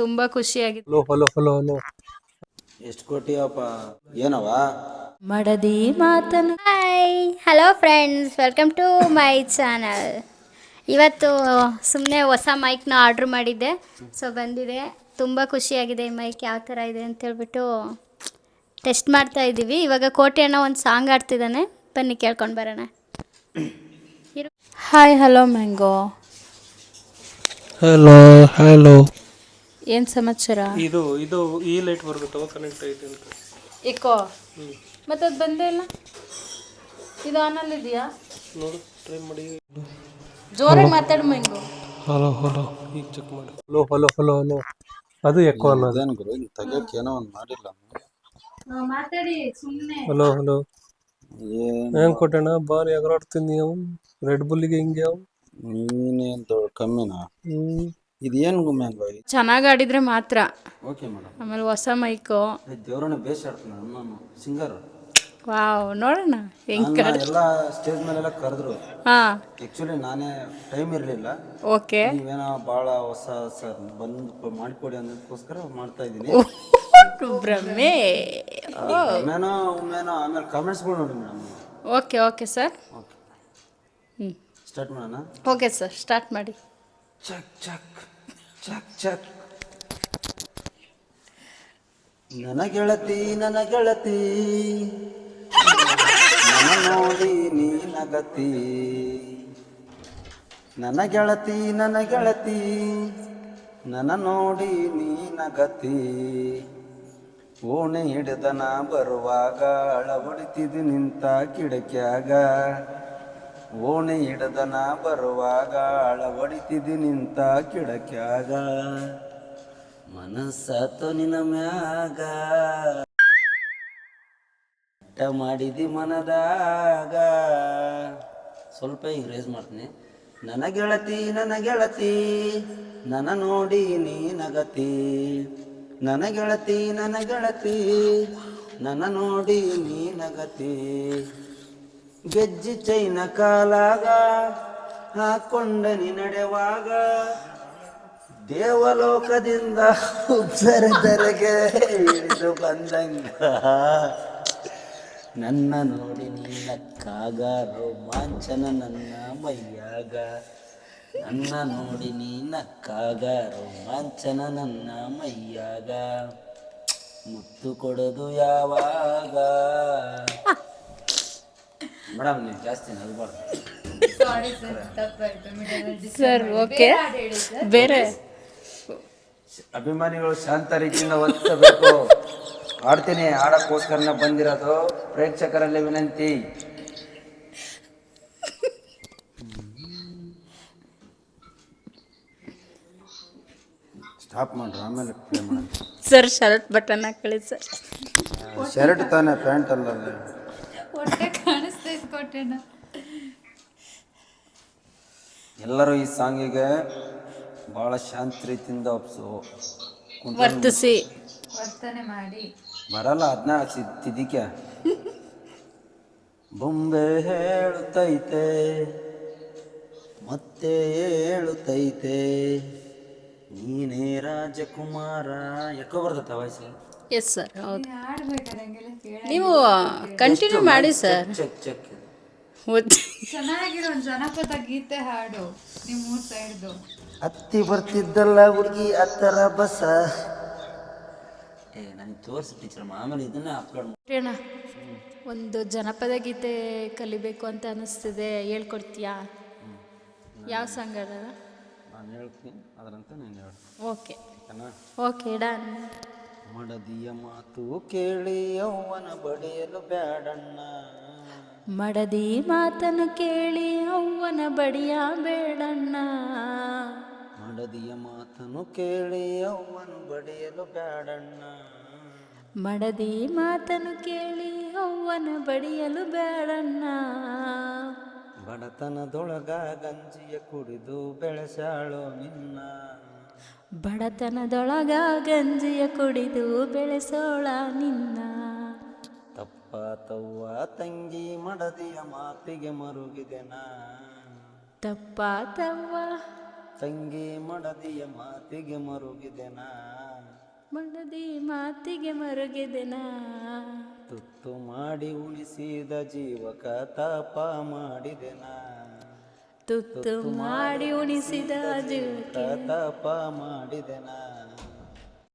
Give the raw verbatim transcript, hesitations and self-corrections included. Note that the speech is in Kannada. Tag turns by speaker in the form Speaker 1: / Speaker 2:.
Speaker 1: ತುಂಬಾ ಖುಷಿಯಾಗಿದೆ.
Speaker 2: ಹಲೋ ಹಲೋ ಹಲೋ ಹಲೋ
Speaker 3: ಎಷ್ಟು ಕೊಟ್ಟಿಯಪ್ಪ ಏನವ
Speaker 1: ಮಡದಿ ಮಾತನು.
Speaker 4: Hi hello friends, welcome to my channel. ಇವತ್ತು ಸುಮ್ಮನೆ ಹೊಸ ಮೈಕ್ನ ಆರ್ಡ್ರ್ ಮಾಡಿದ್ದೆ, ಸೊ ಬಂದಿದೆ. ತುಂಬ ಖುಷಿಯಾಗಿದೆ. ಈ ಮೈಕ್ ಯಾವ ಥರ ಇದೆ ಅಂತೇಳ್ಬಿಟ್ಟು ಟೆಸ್ಟ್ ಮಾಡ್ತಾ ಇದ್ದೀವಿ. ಇವಾಗ ಕೋಟೆ ಅಣ್ಣ ಒಂದು ಸಾಂಗ್ ಆಡ್ತಿದ್ದಾನೆ, ಬನ್ನಿ ಕೇಳ್ಕೊಂಡು ಬರೋಣ.
Speaker 1: Hi hello mango.
Speaker 2: Hello hello
Speaker 1: ಏನು ಸಮಾಚಾರ?
Speaker 2: ಇದು ಇದು ಈ ಲೈಟ್ ಬರ್ಬೇಕು ಕನೆಕ್ಟ್ ಐತೆ ಅಂತ
Speaker 1: ಏಕೋ ಮತ್ತೆ ಅದು ಬಂದೇ ಇಲ್ಲ. ಇದು ಆನಲ್ಲಿ ಇದೆಯಾ
Speaker 2: ನೋಡು, ಟ್ರೈ ಮಾಡಿ.
Speaker 1: ಜೋರಾಗಿ ಮಾತಾಡು ಮ್ಯಾಂಗೋ.
Speaker 2: ಹಲೋ ಹಲೋ ಈಗ ಚೆಕ್ ಮಾಡಿ. ಹಲೋ ಹಲೋ ಹಲೋ ಹಲೋ ಅದು ಎಕ್ಕೋ ಅನ್ನೋದು.
Speaker 3: ಏನು ಗುರು ಹಿಂಗೆ ತೆಗಿಯೋಕೆ ಏನೋ ಒಂದು ಮಾಡಿಲ್ಲ.
Speaker 1: ಮಾತಾಡಿ ಸುಮ್ಮನೆ.
Speaker 2: ಹಲೋ ಹಲೋ
Speaker 3: ಏನು
Speaker 2: ಹೆಂಗ್ ಕೊಟ್ಟಣ ಬಾರಿ ಎಗರಾಡ್ತೀನಿ ನೀವು ರೆಡ್ ಬುಲ್ಲಿಗೆ ಹಿಂಗೆ ಅವು.
Speaker 3: ನೀನೇನು ದೊಡ್ಡ ಕಮ್ಮಿನಾ?
Speaker 2: ಹ್ಮ್
Speaker 3: ಇದು ಏನು ಗುಮ್ಯಾಂಗ?
Speaker 1: ಚೆನ್ನಾಗಿ ಆಡಿದ್ರೆ ಮಾತ್ರ.
Speaker 3: Okay madam.
Speaker 1: ಆಮೇಲೆ ಹೊಸ ಮೈಕು.
Speaker 3: ದೇವ್ರನ್ನ ಬೇಸ್ ಆಡ್ತಾನೆ ನಾನು ಸಿಂಗರ್.
Speaker 1: ವಾವ್, ನೋಡೋಣ ಹೆಂಗ್
Speaker 3: ಎಲ್ಲ ಸ್ಟೇಜ್ ಮೇಲೆಲ್ಲ ಕರೆದ್ರು.
Speaker 1: ಹಾಂ
Speaker 3: ಆ್ಯಕ್ಚುಲಿ ನಾನೇ ಟೈಮ್ ಇರಲಿಲ್ಲ.
Speaker 1: ಓಕೆ.
Speaker 3: ನೀವೇನೋ ಭಾಳ ಹೊಸ ಸರ್ ಬಂದು ಮಾಡಿಕೊಡಿ ಅನ್ನೋದಕ್ಕೋಸ್ಕರ ಮಾಡ್ತಾ ಇದ್ದೀನಿ.
Speaker 1: ಬ್ರಹ್ಮೆ.
Speaker 3: ಒಮ್ಮೆನೋ ಒಮ್ಮೆನೋ ಆಮೇಲೆ ಕಾಮೆಂಟ್ಸ್ಗಳು ನೋಡಿ madam.
Speaker 1: Okay okay sir.
Speaker 3: Okay
Speaker 1: ಹ್ಞೂ
Speaker 3: ಸ್ಟಾರ್ಟ್ ಮಾಡೋಣ.
Speaker 1: ಓಕೆ ಸರ್, ಸ್ಟಾರ್ಟ್ ಮಾಡಿ.
Speaker 3: ಚಕ್ ಚಕ್ ಚಕ್ ಚಕ್. ನನ್ನ ಗೆಳತಿ ನನ್ನ ಗೆಳತಿ ನನ್ನ ನೋಡಿ ನೀ ನಗತಿ. ನನ್ನ ಗೆಳತಿ ನನ್ನ ಗೆಳತಿ ನನ್ನ ನೋಡಿ ನೀ ನಗತಿ. ಓಣೆ ಹಿಡಿದನ ಬರುವಾಗ ಅಳವಡಿತಿದ್ದು ನಿಂತ ಕಿಡಕ್ಯಾಗ. ಓಣೆ ಹಿಡದನ ಬರುವಾಗ ಅಳವಡಿತಿದ್ದು ನಿಂತ ಕಿಡಕ್ಯಾಗ. ಮನಸ್ಸಾತು ನಿನ್ನ ಮ್ಯಾಗ ಟ ಮಾಡಿದಿ ಮನದಾಗ. ಸ್ವಲ್ಪ ಈಗ ರೇಸ್ ಮಾಡ್ತೀನಿ. ನನ್ನ ಗೆಳತಿ ನನ್ನ ಗೆಳತಿ ನನ್ನ ನೋಡಿ ನೀ ನಗತಿ. ನನ್ನ ಗೆಳತಿ ನನ್ನ ಗೆಳತಿ ನನ್ನ ನೋಡಿ ನೀ ನಗತಿ. ಗೆಜ್ಜಿ ಚೈನ ಕಾಲಾಗ ಹಾಕೊಂಡ ನೀ ನಡೆವಾಗ. ದೇವಲೋಕದಿಂದ ಉಬ್ಬರದರೆಗೆ ಇಳಿದು ಬಂದಂಗ. ನನ್ನ ನೋಡಿ ನೀ ನಕ್ಕಾಗ ರೋಮಾಂಚನ ನನ್ನ ಮೈಯಾಗ. ನನ್ನ ನೋಡಿ ನೀ ನಕ್ಕಾಗ ರೋಮಾಂಚನ ನನ್ನ ಮೈಯಾಗ. ಮುತ್ತು ಕೊಡೋದು ಯಾವಾಗ? ಮೇಡಮ್ ನೀವು ಜಾಸ್ತಿ ನಗಬಾರ್ದು
Speaker 1: ಸರ್. ಓಕೆ, ಬೇರೆ
Speaker 3: ಅಭಿಮಾನಿಗಳು ಶಾಂತ ರೀತಿಯಿಂದ ವರ್ತಿಸಬೇಕು. ಆಡ್ತೀನಿ, ಆಡಕ್ಕೋಸ್ಕರನೇ ಬಂದಿರೋದು. ಪ್ರೇಕ್ಷಕರಲ್ಲಿ ವಿನಂತಿ. ಸ್ಟಾಪ್ ಮಾಡ್ರಿ, ಆಮೇಲೆ ಪ್ಲೇ ಮಾಡಿ.
Speaker 1: ಸರ್ ಶರ್ಟ್ ಬಟನ್ ಹಾಕೊಳ್ಳಿ ಸರ್.
Speaker 3: ಶರ್ಟ್ ತಾನೆ, ಪ್ಯಾಂಟ್ ಅಲ್ಲ. ಎಲ್ಲರೂ ಈ ಸಾಂಗಿಗೆ ಭಾಳ ಶಾಂತ ರೀತಿಯಿಂದ ಒಪ್ಸು
Speaker 1: ವರ್ತಿಸಿ
Speaker 4: ವರ್ತನೆ ಮಾಡಿ.
Speaker 3: ಬರಲ್ಲ ಅದನ್ನ ತಿದಿಕೆ. ಬೊಂಬೆ ಹೇಳುತ್ತೈತೆ ಮತ್ತೆ ಹೇಳುತ್ತೈತೆ ನೀನೇ ರಾಜಕುಮಾರ. ಯಾಕೋ ಬರ್ತೈತೆ ವಾಯ್ಸು.
Speaker 1: ಎಸ್ ಸರ್, ಹೌದು. ನೀವು ಕಂಟಿನ್ಯೂ ಮಾಡಿ ಸರ್.
Speaker 3: Check check.
Speaker 4: ಚೆನ್ನಾಗಿರೋ ಒಂದು ಜನಪದ ಗೀತೆ ಹಾಡು ನಿಮ್ಮ ಸೈಡ್ದು.
Speaker 3: ಹತ್ತಿ ಬರ್ತಿದ್ದಲ್ಲ ಹುಡುಗಿ ಹತ್ತರ ಬಸ. ಏ ನನಗೆ ತೋರಿಸಿ ಟೀಚರ್, ಆಮೇಲೆ ಇದನ್ನ ಅಪ್ಲೋಡ್
Speaker 1: ಅಣ್ಣ, ಒಂದು ಜನಪದ ಗೀತೆ ಕಲಿಬೇಕು ಅಂತ ಅನಿಸ್ತಿದೆ, ಹೇಳ್ಕೊಡ್ತೀಯಾ? ಯಾವ ಸಾಂಗ್ ಅದ?
Speaker 3: ನಾನು ಹೇಳ್ತೀನಿ ಅದರಂತ ನೀನು ಹೇಳು.
Speaker 1: Okay okay done.
Speaker 3: ಮಡದಿಯ ಮಾತು ಕೇಳಿ ಯೌವನ ಬಡಿಯಲು ಬ್ಯಾಡಣ್ಣ.
Speaker 1: ಮಡದಿ ಮಾತನ್ನು ಕೇಳಿ ಅವ್ವನ ಬಡಿಯ ಬೇಡಣ್ಣ.
Speaker 3: ಮಡದಿಯ ಮಾತನ್ನು ಕೇಳಿ ಯೌವನ ಬಡಿಯಲು ಬ್ಯಾಡಣ್ಣ.
Speaker 1: ಮಡದಿ ಮಾತನ್ನು ಕೇಳಿ ಅವ್ವನ ಬಡಿಯಲು ಬೇಡಣ್ಣ.
Speaker 3: ಬಡತನದೊಳಗ ಗಂಜಿಯ ಕುಡಿದು ಬೆಳೆಸಾಳೋ ನಿನ್ನ.
Speaker 1: ಬಡತನದೊಳಗ ಗಂಜಿಯ ಕುಡಿದು ಬೆಳೆಸೋಳ ನಿನ್ನ.
Speaker 3: ತಪ್ಪಾತವ್ವ ತಂಗಿ ಮಡದಿಯ ಮಾತಿಗೆ ಮರುಗಿದೆನಾ.
Speaker 1: ತಪ್ಪಾತವ್ವ
Speaker 3: ತಂಗಿ ಮಡದಿಯ ಮಾತಿಗೆ ಮರುಗಿದೆನಾ
Speaker 1: ಮಡದಿ ಮಾತಿಗೆ ಮರುಗಿದೆನಾ
Speaker 3: ತುತ್ತು ಮಾಡಿ ಉಳಿಸಿದ ಜೀವಕ ತಾಪ ಮಾಡಿದೆನಾ
Speaker 1: ತುತ್ತು ಮಾಡಿ ಉಣಿಸಿದ ಜೀವಕ್ಕೆ
Speaker 3: ತಾಪ ಮಾಡಿದೆನಾ